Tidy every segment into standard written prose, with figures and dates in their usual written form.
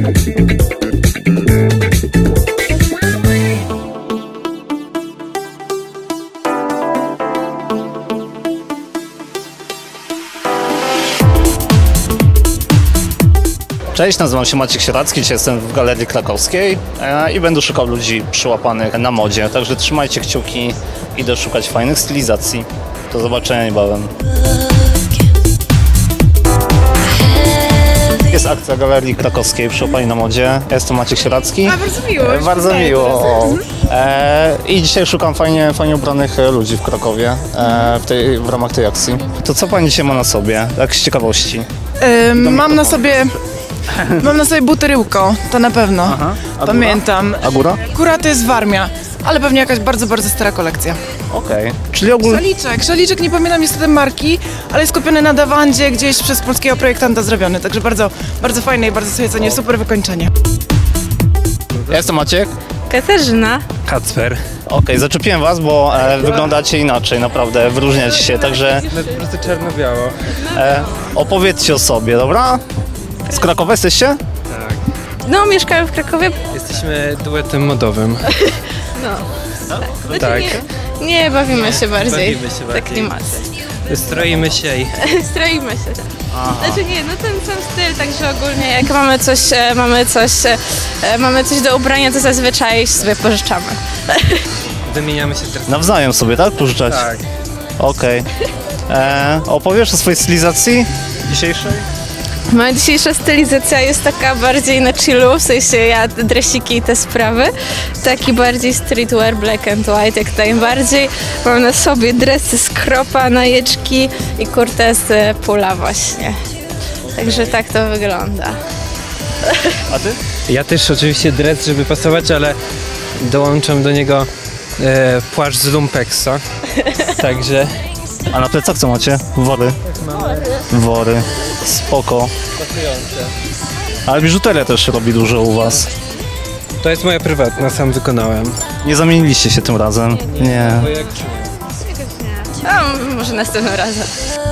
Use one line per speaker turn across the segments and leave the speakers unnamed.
Cześć, nazywam się Maciek Sieradzki, dzisiaj jestem w Galerii Krakowskiej i będę szukał ludzi przyłapanych na modzie, także trzymajcie kciuki, idę szukać fajnych stylizacji. Do zobaczenia niebawem. Jest akcja Galerii Krakowskiej Przyłapani na modzie. Ja jestem Maciek Sieradzki.
Bardzo miło.
Bardzo miło. I dzisiaj szukam fajnie ubranych ludzi w Krakowie w ramach tej akcji. To co pani dzisiaj ma na sobie, tak z ciekawości?
Mam na sobie buteryłko, to na pewno.
Aha. A
pamiętam.
A góra?
Góra to jest Warmia, ale pewnie jakaś bardzo stara kolekcja.
Okej. Czyli ogólnie...
Szaliczek, nie pamiętam niestety marki, ale jest kupiony na Dawandzie gdzieś przez polskiego projektanta zrobiony, także bardzo fajne i bardzo sobie cenię, super wykończenie.
Ja jestem Maciek.
Katarzyna.
Kacper.
Okej, zaczepiłem was, bo wyglądacie inaczej, naprawdę, wyróżniacie się, także
No po prostu czarno-biało.
opowiedzcie o sobie, dobra? Z Krakowa jesteście?
Tak.
No, mieszkamy w Krakowie.
Jesteśmy duetem modowym.
No. Znaczy,
Tak.
Nie, bawimy się bardziej.
Bawimy się
Te
bardziej.
klimaty.
Stroimy się i...
Stroimy się. Znaczy nie, no ten sam styl, także ogólnie jak mamy coś do ubrania, to zazwyczaj sobie pożyczamy.
Wymieniamy się teraz.
Nawzajem sobie, tak? Pożyczać?
Tak.
Okej. Opowiesz o swojej stylizacji dzisiejszej?
Moja dzisiejsza stylizacja jest taka bardziej na chillu, w sensie ja dresiki i te sprawy. Taki bardziej streetwear, black and white, jak najbardziej. Mam na sobie dresy z kropa, najeczki i kurtę z pula właśnie. Także tak to wygląda.
A ty?
Ja też oczywiście dres, żeby pasować, ale dołączam do niego płaszcz z lumpexa. Także...
A na plecach co macie? Wory? Wory. Spoko. Ale biżuteria też robi dużo u was.
To jest moja prywatna, sam wykonałem.
Nie zamieniliście się tym razem? Nie.
A, może następnym razem.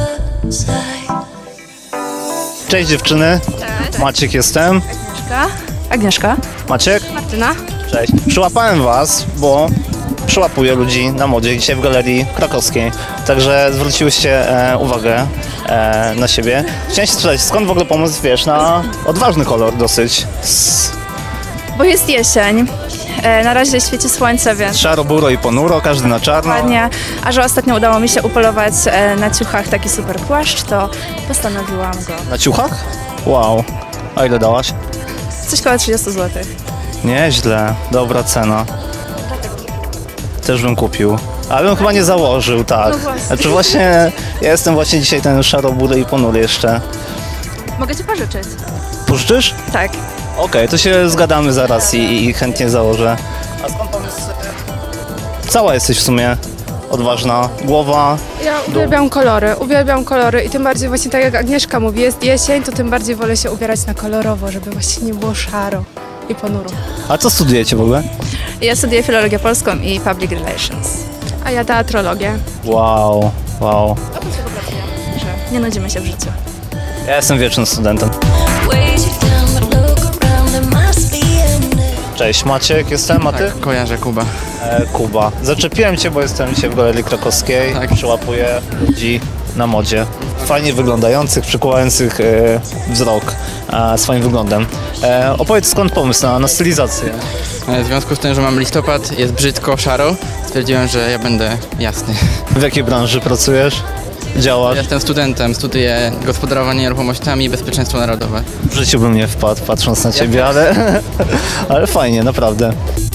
Cześć dziewczyny.
Cześć.
Maciek jestem.
Agnieszka.
Maciek?
Martyna.
Cześć. Przyłapałem was, bo przyłapuję ludzi na modzie dzisiaj w Galerii Krakowskiej. Także zwróciłyście uwagę na siebie. Chciałem się spytać, skąd w ogóle pomysł, wiesz, na odważny kolor dosyć?
Bo jest jesień, na razie świeci słońce, więc
Szaro, buro i ponuro, każdy na czarno.
ładnie. A że ostatnio udało mi się upolować na ciuchach taki super płaszcz, to postanowiłam go.
Na ciuchach? Wow. A ile dałaś?
Coś koło 30 zł.
Nieźle. Dobra cena. Też bym kupił. Ale bym chyba nie założył, tak.
No właśnie.
Znaczy właśnie, ja jestem właśnie dzisiaj ten szaro, bury i ponury jeszcze.
Mogę ci pożyczyć?
Pożyczysz?
Tak.
Okej, to się zgadamy zaraz i chętnie założę. A skąd pomysł? Cała jesteś w sumie odważna. Głowa.
Ja uwielbiam kolory i tym bardziej właśnie tak jak Agnieszka mówi, jest jesień, to tym bardziej wolę się ubierać na kolorowo, żeby właśnie nie było szaro i ponuro.
A co studujecie w ogóle?
Ja studiuję filologię polską i public relations.
A ja teatrologię.
Wow.
Że nie nudzimy się w życiu.
Ja jestem wiecznym studentem. Cześć, Maciek jestem, a ty?
Tak, kojarzę Kuba.
Kuba. Zaczepiłem cię, bo jestem dzisiaj w Galerii Krakowskiej.
Tak.
Przyłapuję ludzi na modzie. Fajnie wyglądających, przykuwających wzrok swoim wyglądem. Opowiedz, skąd pomysł na stylizację?
W związku z tym, że mam listopad, jest brzydko, szaro, stwierdziłem, że ja będę jasny.
W jakiej branży pracujesz? Działasz?
Jestem studentem, studiuję gospodarowanie nieruchomościami i bezpieczeństwo narodowe.
W życiu bym nie wpadł, patrząc na ciebie, ale fajnie, naprawdę.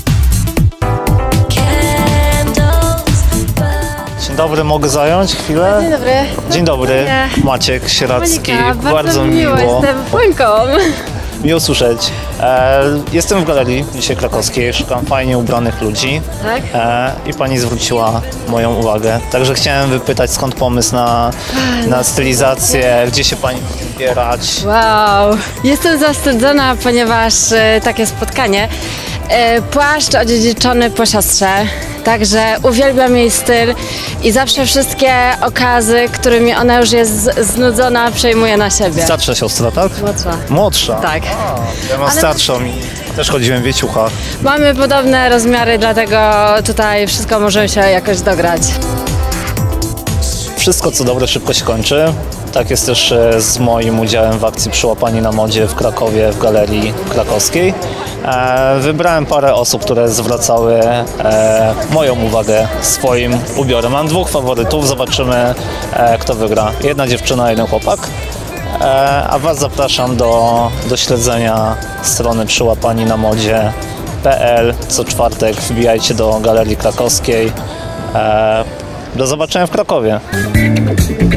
Dzień dobry, mogę zająć chwilę?
Dzień dobry.
Dzień dobry, Maciek Sieradzki.
Monika,
bardzo mi miło.
jestem Płynką.
Miło słyszeć. Jestem w Galerii dzisiaj Krakowskiej, szukam fajnie ubranych ludzi.
Tak?
I pani zwróciła moją uwagę. Także chciałem wypytać, skąd pomysł na stylizację, gdzie się pani może ubierać.
Wow, jestem zawstydzona, ponieważ takie spotkanie Płaszcz odziedziczony po siostrze, także uwielbiam jej styl i zawsze wszystkie okazy, którymi ona już jest znudzona, przejmuje na siebie.
Starsza siostra, tak?
Młodsza.
Młodsza?
Tak.
Ja mam starszą i też chodziłem w wieciuchach.
Mamy podobne rozmiary, dlatego tutaj wszystko możemy się jakoś dograć.
Wszystko co dobre szybko się kończy. Tak jest też z moim udziałem w akcji Przyłapani na modzie w Krakowie, w Galerii Krakowskiej. Wybrałem parę osób, które zwracały moją uwagę swoim ubiorem. Mam dwóch faworytów, zobaczymy kto wygra. Jedna dziewczyna, jeden chłopak. A Was zapraszam do śledzenia strony przyłapani-na-modzie.pl. Co czwartek wbijajcie do Galerii Krakowskiej. Do zobaczenia w Krakowie.